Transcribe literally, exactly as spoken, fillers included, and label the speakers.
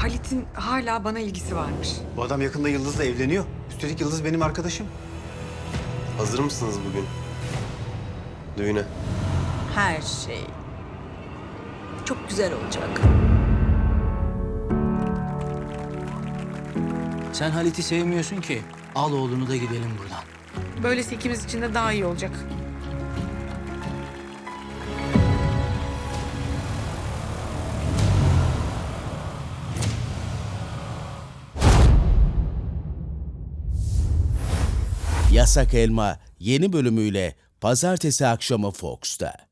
Speaker 1: Halit'in hala bana ilgisi varmış.
Speaker 2: Bu adam yakında Yıldız'la evleniyor. Üstelik Yıldız benim arkadaşım.
Speaker 3: Hazır mısınız bugün? Düğüne.
Speaker 4: Her şey. Çok güzel olacak.
Speaker 5: Sen Halit'i sevmiyorsun ki. Al oğlunu da gidelim buradan.
Speaker 1: Böylesi ikimiz için de daha iyi olacak.
Speaker 6: Yasak Elma yeni bölümüyle pazartesi akşamı Fox'ta.